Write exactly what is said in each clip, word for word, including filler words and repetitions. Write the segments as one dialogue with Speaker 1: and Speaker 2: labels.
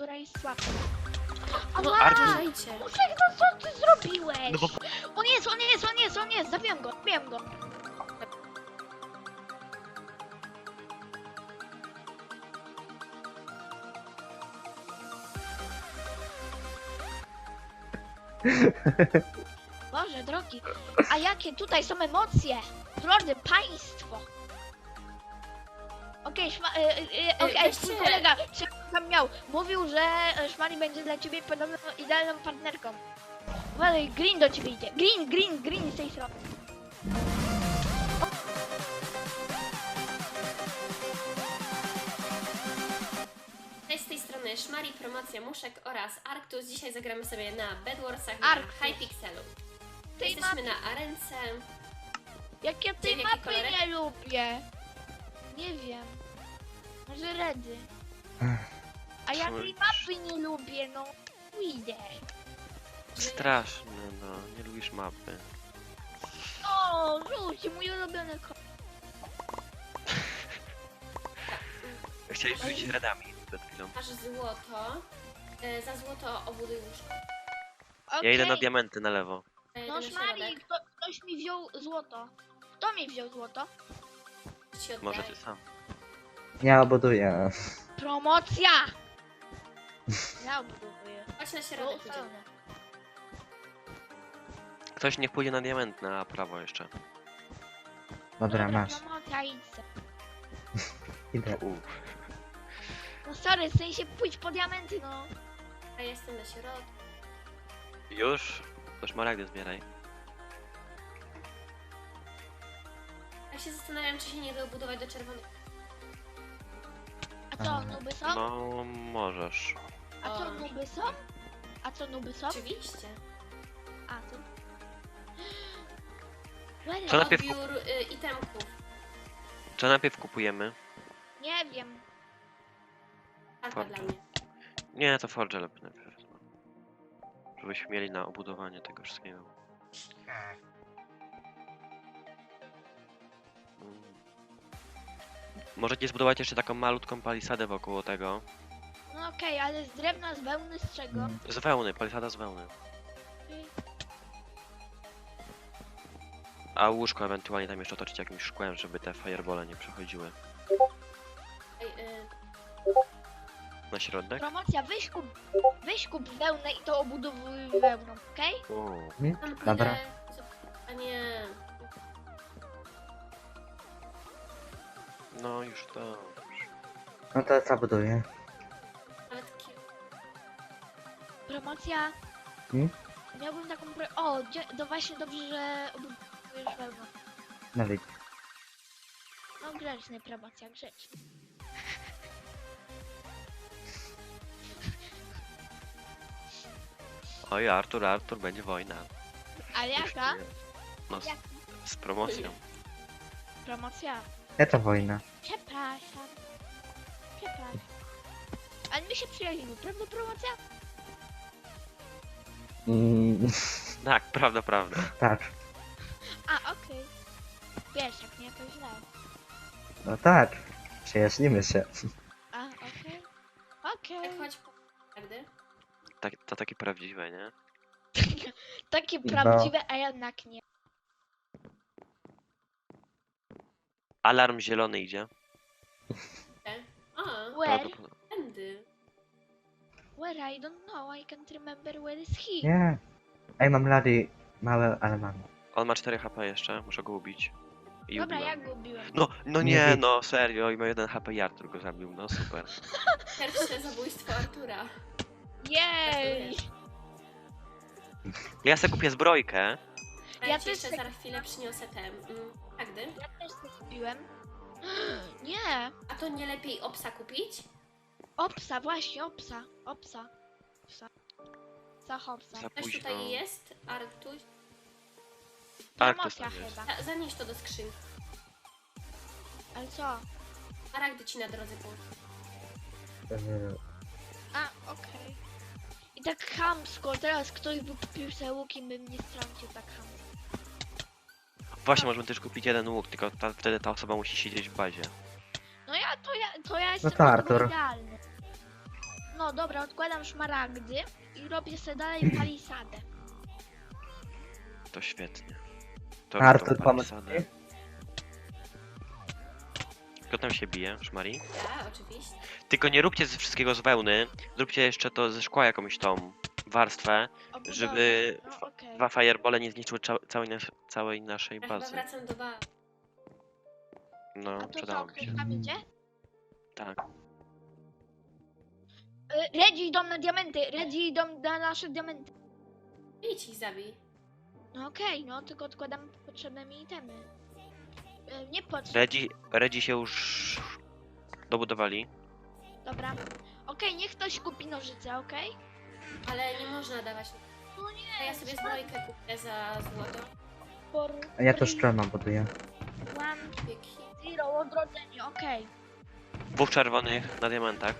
Speaker 1: która jest słabsza.
Speaker 2: No,
Speaker 1: Ała!
Speaker 2: uważajcie.
Speaker 1: Muszek, no co ty zrobiłeś?
Speaker 3: No bo...
Speaker 1: On jest, on jest, on jest, on jest! Zabiłem go, zabiłem go! Boże drogi, a jakie tutaj są emocje? Drodzy państwo! Okej, szma... y, y, y, okej,
Speaker 2: weźcie-
Speaker 1: twój kolega, czy tam miał, mówił, że e, Szmali będzie dla ciebie podobną idealną partnerką. Uważaj, Green do ciebie idzie. Green, Green, Green z tej strony.
Speaker 2: Cześć, z tej strony Szmari, promocja Muszek oraz Arctus. Dzisiaj zagramy sobie na Bedwarsach na
Speaker 1: Arctus.
Speaker 2: Hypixelu.
Speaker 1: Tej
Speaker 2: Jesteśmy na arence.
Speaker 1: Jak ja tej
Speaker 2: Czyli jaki
Speaker 1: mapy
Speaker 2: kolorek?
Speaker 1: nie lubię. Nie wiem. Może redy. A ja tej mapy nie lubię, no. Idę.
Speaker 3: Straszne, no. Nie lubisz mapy.
Speaker 1: O, rzuć, mój ulubiony kolor.
Speaker 3: Chciałeś rzucić radami przed chwilą.
Speaker 2: Masz złoto. E, za złoto obuduj łóżko.
Speaker 3: Ja idę na
Speaker 1: Okej.
Speaker 3: diamenty na lewo.
Speaker 2: E,
Speaker 1: No
Speaker 2: na
Speaker 1: Szmali,
Speaker 2: środek.
Speaker 1: kto, ktoś mi wziął złoto. Kto mi wziął złoto?
Speaker 2: Ci oddaję.
Speaker 3: Może ty sam.
Speaker 4: Ja obuduję.
Speaker 1: Promocja! Ja obuduję.
Speaker 2: Chodź na
Speaker 1: Było
Speaker 2: środek. idziemy.
Speaker 1: ustalone.
Speaker 3: Ktoś niech pójdzie na diament na prawo jeszcze.
Speaker 4: Dobra, masz.
Speaker 1: Promocja, idź se.
Speaker 4: Idę.
Speaker 3: Uff.
Speaker 1: No sorry, w sensie pójdź po diamenty, no.
Speaker 2: A ja jestem na środku.
Speaker 3: Już? To szmaragdy zbieraj.
Speaker 2: Ja się zastanawiam, czy się nie da obudować do czerwonych.
Speaker 1: A co,
Speaker 4: Aha.
Speaker 1: nuby są?
Speaker 3: No, możesz.
Speaker 1: A co,
Speaker 2: O.
Speaker 1: nuby są? A co, nuby są?
Speaker 2: Oczywiście.
Speaker 1: A, to... Where
Speaker 3: Co
Speaker 1: is-
Speaker 3: najpierw
Speaker 2: Odbiór y, itemków.
Speaker 3: Czy najpierw kupujemy?
Speaker 1: Nie wiem.
Speaker 2: Alfa
Speaker 3: Forge.
Speaker 2: dla mnie.
Speaker 3: Nie, to Forge lepiej najpierw. No. Żebyśmy mieli na obudowanie tego wszystkiego. Mm. Możecie zbudować jeszcze taką malutką palisadę wokół tego.
Speaker 1: No okej, ale z drewna, z wełny, z czego?
Speaker 4: Mm.
Speaker 3: Z wełny, palisada z wełny.
Speaker 1: Okej.
Speaker 3: A łóżko ewentualnie tam jeszcze otoczyć jakimś szkłem, żeby te firebole nie przechodziły.
Speaker 2: Ej, y,
Speaker 3: Na środek?
Speaker 1: Promocja, weź kup, weź kup wełnę i to obudowuj wełną, okej?
Speaker 3: O,
Speaker 4: Nie?
Speaker 2: tam
Speaker 4: Dobra.
Speaker 2: pójdę... A nie...
Speaker 3: no już to.
Speaker 4: No to zabuduję.
Speaker 2: Ale takie...
Speaker 1: Promocja.
Speaker 4: Hmm?
Speaker 1: Miałbym taką pro... O, dzie- to właśnie dobrze, że obudujesz wełną.
Speaker 4: No widzisz.
Speaker 1: No grzeczny promocja, grzeczny.
Speaker 3: Oj, Artur, Artur, będzie wojna.
Speaker 1: Ale
Speaker 3: Już
Speaker 1: jaka?
Speaker 3: czuję. No, z,
Speaker 1: Jak?
Speaker 3: z promocją.
Speaker 1: Promocja.
Speaker 4: Jaka wojna?
Speaker 1: Przepraszam. Przepraszam. Ale my się przyjaźnimy, prawda promocja?
Speaker 4: Mm,
Speaker 3: Tak, prawda, prawda.
Speaker 4: tak.
Speaker 1: A, okej. Wiesz, jak nie, to źle.
Speaker 4: No tak. Przyjaźnimy się.
Speaker 1: A, okej. Okej.
Speaker 2: Jak chodź po... Prawdy?
Speaker 3: Tak, to takie prawdziwe, nie?
Speaker 1: Takie
Speaker 4: No.
Speaker 1: prawdziwe, a jednak nie.
Speaker 3: Alarm zielony idzie.
Speaker 2: A,
Speaker 1: Where?
Speaker 3: Prawdopodobnie.
Speaker 2: tędy.
Speaker 1: Where I don't know, I can't remember where is he.
Speaker 4: Nie. Ej, mam lady małe, ale mam.
Speaker 3: On ma cztery H P jeszcze, muszę go ubić. I
Speaker 1: Dobra,
Speaker 3: ubiłem.
Speaker 1: ja go ubiłem.
Speaker 3: No, no
Speaker 4: Nie
Speaker 3: nie,
Speaker 4: wiem.
Speaker 3: no serio, i ma jeden H P i Artur go zabił, no super.
Speaker 2: Pierwsze zabójstwo Artura.
Speaker 1: Jej!
Speaker 3: Ja sobie kupię zbrojkę.
Speaker 2: A
Speaker 1: Ja
Speaker 2: ja ci
Speaker 1: też
Speaker 2: jeszcze
Speaker 1: tak-
Speaker 2: za chwilę przyniosę te... Mm, Magdy.
Speaker 1: Ja też to kupiłem. Nie!
Speaker 2: A to nie lepiej obsa kupić?
Speaker 1: Opsa, właśnie, opsa. Opsa. Opsa. Za hopsa.
Speaker 3: Za
Speaker 2: Też
Speaker 3: późno.
Speaker 2: tutaj jest, Artuś.
Speaker 3: Artus
Speaker 1: Promocja
Speaker 3: tam jest.
Speaker 1: chyba.
Speaker 2: Za- Zanieś to do skrzynki.
Speaker 1: Ale co?
Speaker 2: Maragdy ci na drodze położę.
Speaker 4: Yy,
Speaker 1: A, okej. I tak chamsko, teraz ktoś by kupił sobie łuk i by mnie strącił tak chamsko.
Speaker 3: Właśnie, możemy też kupić jeden łuk, tylko ta, wtedy ta osoba musi siedzieć w bazie.
Speaker 1: No ja, to ja, to ja jestem
Speaker 4: to
Speaker 1: do tego
Speaker 4: Artur.
Speaker 1: idealny. No dobra, odkładam szmaragdy i robię sobie dalej palisadę.
Speaker 3: To świetnie. To
Speaker 4: Artur,
Speaker 3: robię tą
Speaker 4: pomóc
Speaker 3: palisadę.
Speaker 4: ci?
Speaker 3: Kto tam się bije, Szmari?
Speaker 2: Ja, oczywiście.
Speaker 3: Tylko nie róbcie ze wszystkiego z wełny, zróbcie jeszcze to ze szkła jakąś tą warstwę,
Speaker 1: Obudowę.
Speaker 3: żeby
Speaker 1: No
Speaker 3: fa-
Speaker 1: okej.
Speaker 3: dwa firebole nie zniszczyły cza- całej, nas całej naszej
Speaker 2: Ja chyba
Speaker 3: bazy.
Speaker 2: wracam do bazy.
Speaker 3: No,
Speaker 1: A to co,
Speaker 3: przydało mi
Speaker 1: ktoś
Speaker 3: się.
Speaker 1: tam idzie?
Speaker 3: Tak.
Speaker 1: Y, Redzi idą na diamenty, Redzi idą na nasze diamenty.
Speaker 2: Idź ich zabij.
Speaker 1: No okej, no tylko odkładam potrzebne mi itemy. Y, Nie potrzebne.
Speaker 3: Redzi, Redzi się już dobudowali.
Speaker 1: Dobra. Okej, niech ktoś kupi nożyce, okej?
Speaker 2: Ale nie można dawać.
Speaker 1: No
Speaker 2: To
Speaker 1: nie,
Speaker 2: ja sobie zbrojkę kupię za złoto.
Speaker 1: for
Speaker 4: A ja to
Speaker 1: free.
Speaker 4: szczelną buduję.
Speaker 1: One,
Speaker 2: Pieki.
Speaker 1: zero, odrodzenie, okej.
Speaker 3: Dwóch czerwonych na diamentach.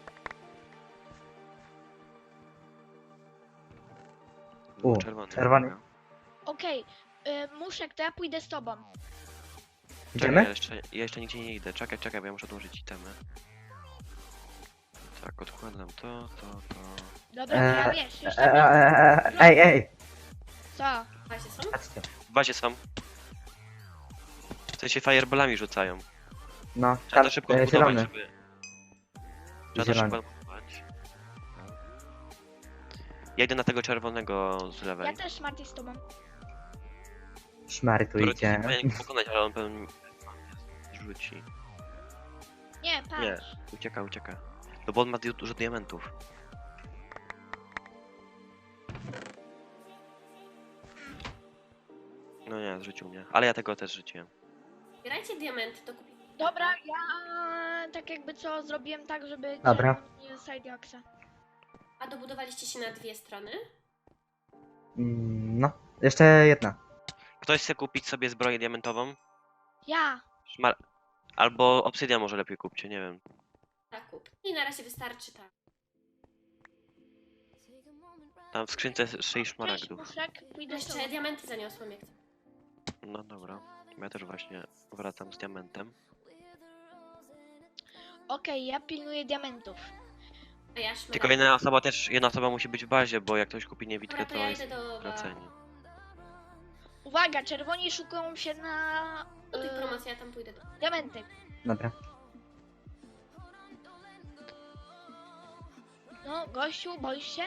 Speaker 3: Dwóch
Speaker 4: U,
Speaker 3: czerwonych.
Speaker 4: czerwony.
Speaker 3: dobra.
Speaker 1: Okej, y, Muszek, to ja pójdę z tobą.
Speaker 3: Czekaj,
Speaker 4: Idziemy?
Speaker 3: ja jeszcze, ja jeszcze nigdzie nie idę. Czekaj, czekaj, bo ja muszę odłożyć itemy. Tak, odkładam to, to, to.
Speaker 1: Dobra, to ja
Speaker 4: Eee,
Speaker 1: wiesz,
Speaker 4: E,
Speaker 1: jeszcze
Speaker 4: e, e, e, Ej, ej!
Speaker 1: co?
Speaker 2: Właśnie są?
Speaker 4: Patrzcie.
Speaker 3: W bazie są. W sensie fireballami rzucają.
Speaker 4: No,
Speaker 3: Trzeba
Speaker 4: tam,
Speaker 3: to szybko
Speaker 4: e,
Speaker 3: odbudować,
Speaker 4: zielony.
Speaker 3: żeby... Trzeba to
Speaker 4: Zielony.
Speaker 3: szybko odbudować. Ja idę na tego czerwonego z lewej.
Speaker 1: Ja też, Marty, z tobą.
Speaker 4: Szmary tu
Speaker 3: Który
Speaker 4: idzie.
Speaker 3: powinien pokonać, ale on pewnie rzuci.
Speaker 1: Nie, patrz.
Speaker 3: Nie. Ucieka, ucieka. No bo on ma di- dużo diamentów. No nie, zrzucił mnie. Ale ja tego też rzuciłem.
Speaker 2: Zbierajcie diamenty, to kupię.
Speaker 1: Dobra, ja tak jakby co zrobiłem tak, żeby
Speaker 4: Dobra.
Speaker 1: nie side axa.
Speaker 2: A dobudowaliście się na dwie strony?
Speaker 4: Mm, No, jeszcze jedna.
Speaker 3: Ktoś chce kupić sobie zbroję diamentową?
Speaker 1: Ja.
Speaker 3: Szmar... Albo obsydian może lepiej kupcie, nie wiem.
Speaker 2: Tak, kup. I na razie wystarczy tak.
Speaker 3: Tam w skrzynce jest sześć
Speaker 1: Cześć,
Speaker 3: szmaragdów.
Speaker 1: Muszek, pójdę z tobą.
Speaker 2: Jeszcze diamenty zaniosłam jak to.
Speaker 3: No dobra. Ja też właśnie wracam z diamentem.
Speaker 1: Okej, ja pilnuję diamentów.
Speaker 2: A ja szmaragd.
Speaker 3: Tylko jedna osoba też, jedna osoba musi być w bazie, bo jak ktoś kupi niewidkę,
Speaker 2: Dobra, to
Speaker 3: to
Speaker 2: ja
Speaker 3: jest
Speaker 2: idę do...
Speaker 3: wracanie.
Speaker 1: Uwaga, czerwoni szukają się na
Speaker 2: Do tych
Speaker 1: y,
Speaker 2: promocji, ja tam pójdę do...
Speaker 1: diamenty.
Speaker 4: Dobra.
Speaker 1: No, gościu, boisz się?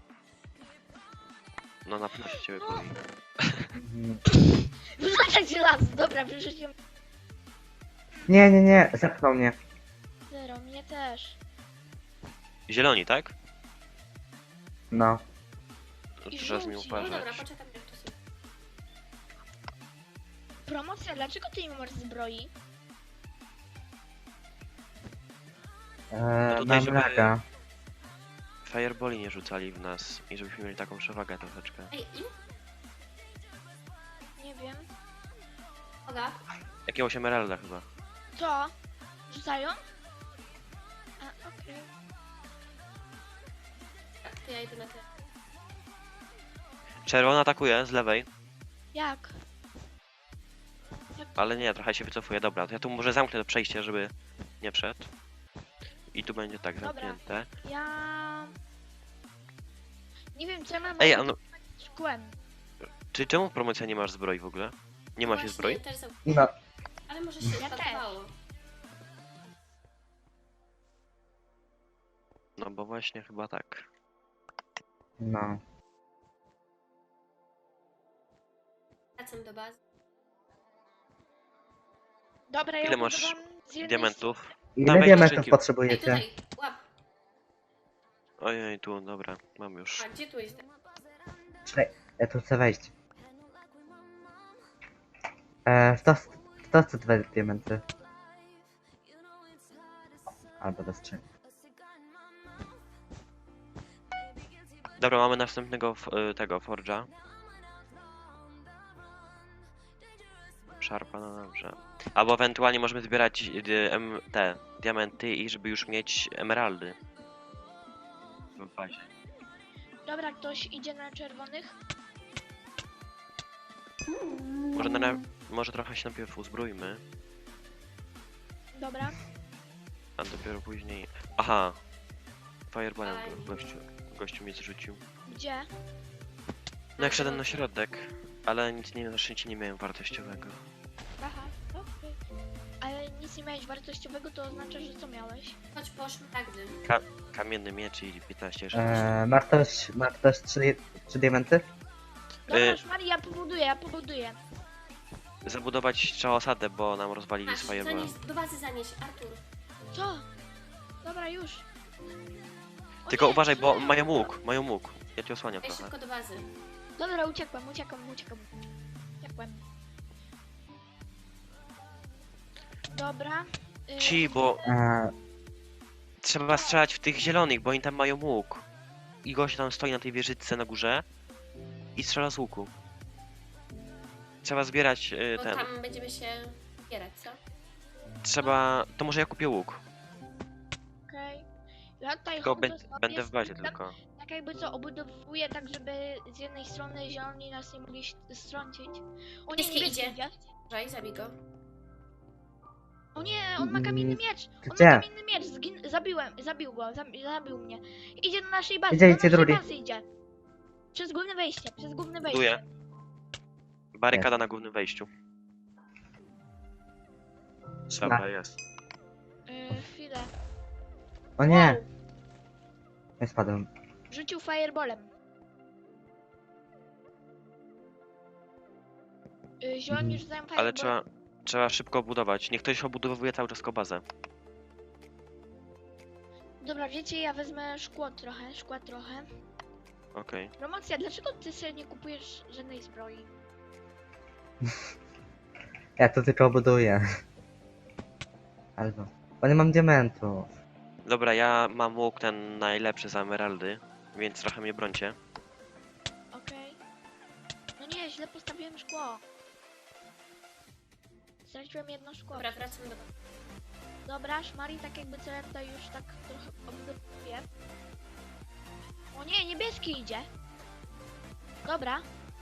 Speaker 3: No na pewno się ciebie boi.
Speaker 4: Mm,
Speaker 1: Wrzucać las, dobra, wyrzuciłem.
Speaker 4: Nie, nie, nie, zepchnął mnie.
Speaker 1: Zero, mnie też.
Speaker 3: Zieloni, tak?
Speaker 4: No.
Speaker 3: No
Speaker 1: I
Speaker 3: to trzeba z nim
Speaker 1: żółci.
Speaker 2: No dobra,
Speaker 3: uważać.
Speaker 2: poczekam jak to są.
Speaker 1: Promocja, dlaczego ty nie masz zbroi?
Speaker 4: E,
Speaker 3: tutaj,
Speaker 4: mam
Speaker 3: żeby-
Speaker 4: laga.
Speaker 3: Fireballi nie rzucali w nas i żebyśmy mieli taką przewagę troszeczkę.
Speaker 2: Ej, im?
Speaker 1: Nie wiem.
Speaker 2: Oga,
Speaker 3: Jakiegoś emeralda chyba.
Speaker 1: Co? Rzucają? A, okej.
Speaker 2: tak, to ja idę na te.
Speaker 3: Czerwona atakuje z lewej,
Speaker 1: Jak?
Speaker 3: ale nie, trochę się wycofuje. Dobra, to ja tu może zamknę to przejście, żeby nie wszedł. I tu będzie tak
Speaker 1: Dobra.
Speaker 3: zamknięte.
Speaker 1: Ja... Nie wiem, co ja mam
Speaker 3: Ej, a no,
Speaker 1: z szkłem.
Speaker 3: czy czemu promocja nie masz zbroi w ogóle? Nie masz
Speaker 2: Właśnie
Speaker 3: zbroi?
Speaker 2: Też za...
Speaker 4: No.
Speaker 2: Ale może się
Speaker 1: Ja też.
Speaker 2: spakowało.
Speaker 3: No bo właśnie chyba tak.
Speaker 4: No.
Speaker 2: Wracam do bazy.
Speaker 1: Dobra, ja
Speaker 3: Ile masz
Speaker 1: budowałam z jednej
Speaker 3: Diamentów?
Speaker 4: Ile
Speaker 3: Dawaj,
Speaker 4: diamentów
Speaker 3: skrzynki.
Speaker 2: Ej,
Speaker 4: potrzebujecie?
Speaker 2: tutaj, łap.
Speaker 3: Ojej, tu, dobra, mam już.
Speaker 2: A, gdzie tu jest?
Speaker 4: Czekaj, ja tu chcę wejść. E, w to, w to chcę dwa diamenty. Albo do skrzyni.
Speaker 3: Dobra, mamy następnego f- y, tego Forge'a. Szarpa, no dobrze. Albo ewentualnie możemy zbierać y, em, te diamenty i żeby już mieć emeraldy. W bazie.
Speaker 1: Dobra, ktoś idzie na czerwonych?
Speaker 3: Może, na, może trochę się najpierw uzbrójmy,
Speaker 1: Dobra.
Speaker 3: a dopiero później... Aha, fireballem
Speaker 2: Fajnie.
Speaker 3: go- gościu, gościu mnie zrzucił.
Speaker 1: Gdzie?
Speaker 3: No jak szedłem na środek, ale nic nie, na szczęście nie miałem wartościowego.
Speaker 1: Aha, okej. Ale nic nie miałeś wartościowego, to oznacza, że co miałeś?
Speaker 2: Chodź po szmaragdy.
Speaker 3: Kamienny miecz i piętnaście rzeczy.
Speaker 4: E, ma ktoś, ma ktoś trzy, trzy diamenty?
Speaker 1: Dobra,
Speaker 3: Y-
Speaker 1: już Mari, ja pobuduję, ja pobuduję.
Speaker 3: Zabudować trzeba osadę, bo nam rozwalili
Speaker 2: Masz,
Speaker 3: z fireballa.
Speaker 2: zanieś, do bazy zanieś, Artur.
Speaker 1: Co? Dobra, już. O
Speaker 3: Tylko
Speaker 1: nie,
Speaker 3: uważaj, bo
Speaker 1: źle.
Speaker 3: mają łuk, mają łuk. Ja cię osłaniam
Speaker 2: Ej,
Speaker 3: trochę.
Speaker 2: szybko do bazy.
Speaker 1: Dobra, uciekłem, uciekłem, uciekłem. Uciekłem. Dobra. y,
Speaker 3: Ci, bo
Speaker 4: E,
Speaker 3: trzeba strzelać w tych zielonych, bo oni tam mają łuk. I gość tam stoi na tej wieżyczce na górze i strzela z łuku. Trzeba zbierać y,
Speaker 2: Bo
Speaker 3: ten.
Speaker 2: tam będziemy się zbierać, co?
Speaker 3: Trzeba. To może ja kupię łuk.
Speaker 1: Okej. Ja tutaj
Speaker 3: Tylko
Speaker 1: chodzę
Speaker 3: bę-
Speaker 1: sobie,
Speaker 3: będę w bazie
Speaker 1: tak,
Speaker 3: tylko.
Speaker 1: tak jakby co, obudowuję tak, żeby z jednej strony zieloni nas nie mogli ś- strącić. O nie,
Speaker 2: Niebieski
Speaker 1: niebieski
Speaker 2: idzie.
Speaker 1: idzie.
Speaker 2: Uważaj, zabij go.
Speaker 1: O nie, on ma kamienny
Speaker 4: Mm,
Speaker 1: miecz! On
Speaker 4: gdzie?
Speaker 1: ma kamienny miecz! Zgin zabiłem, zabił go, zabi zabił mnie. Idzie do naszej bazy,
Speaker 4: Idzie,
Speaker 1: do
Speaker 4: idzie
Speaker 1: naszej
Speaker 4: drugi.
Speaker 1: bazy idzie. Przez główne wejście, przez główne wejście.
Speaker 3: Buduję. Barykada na głównym wejściu. Dobra, jest.
Speaker 1: Yy, chwilę.
Speaker 4: o nie! Nie spadłem.
Speaker 1: Rzucił fireballem. Yy, zieloni
Speaker 4: Mhm.
Speaker 1: rzucają fireballem.
Speaker 3: Ale trzeba. Trzeba szybko budować. Niech ktoś obudowuje cały czas bazę.
Speaker 1: Dobra, wiecie, ja wezmę szkło trochę, szkła trochę.
Speaker 3: Okej.
Speaker 1: Promocja, dlaczego ty sobie nie kupujesz żadnej zbroi?
Speaker 4: Ja to tylko buduję. Albo. Bo nie mam diamentów.
Speaker 3: Dobra, ja mam łuk ten najlepszy z emeraldy, więc trochę mnie brońcie.
Speaker 1: Okej. No nie, źle postawiłem szkło. Straciłem jedno szkło.
Speaker 2: Dobra, wracam do bazy.
Speaker 1: Dobra, szmari, tak jakby co ja tutaj już tak trochę obudowuję. O nie, niebieski idzie. Dobra,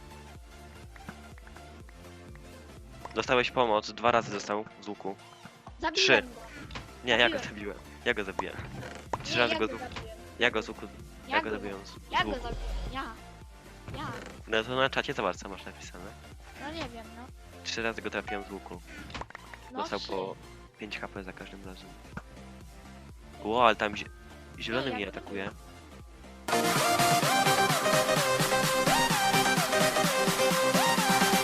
Speaker 3: Dostałeś pomoc, dwa razy dostał z łuku.
Speaker 1: zabiłem
Speaker 3: Trzy.
Speaker 1: go.
Speaker 3: Nie, ja go
Speaker 1: Zabiłem.
Speaker 3: zabiłem. Ja go zabiłem. Trzy
Speaker 1: Nie,
Speaker 3: razy
Speaker 1: ja
Speaker 3: go
Speaker 1: go
Speaker 3: z łuku.
Speaker 1: zabiłem.
Speaker 3: Ja go z łuku.
Speaker 1: Ja
Speaker 3: Ja go
Speaker 1: go
Speaker 3: zabiłem z, z
Speaker 1: Ja go
Speaker 3: łuku.
Speaker 1: zabiłem, ja. Ja.
Speaker 3: No to na czacie zobacz co masz napisane.
Speaker 1: No nie wiem, no.
Speaker 3: Trzy razy go trafiłem z łuku.
Speaker 1: No
Speaker 3: Dostał
Speaker 1: trzy.
Speaker 3: po pięć H P za każdym razem. Ło, ale tam zie- zielony
Speaker 1: Nie,
Speaker 3: mnie
Speaker 1: jak to
Speaker 3: atakuje.
Speaker 1: było?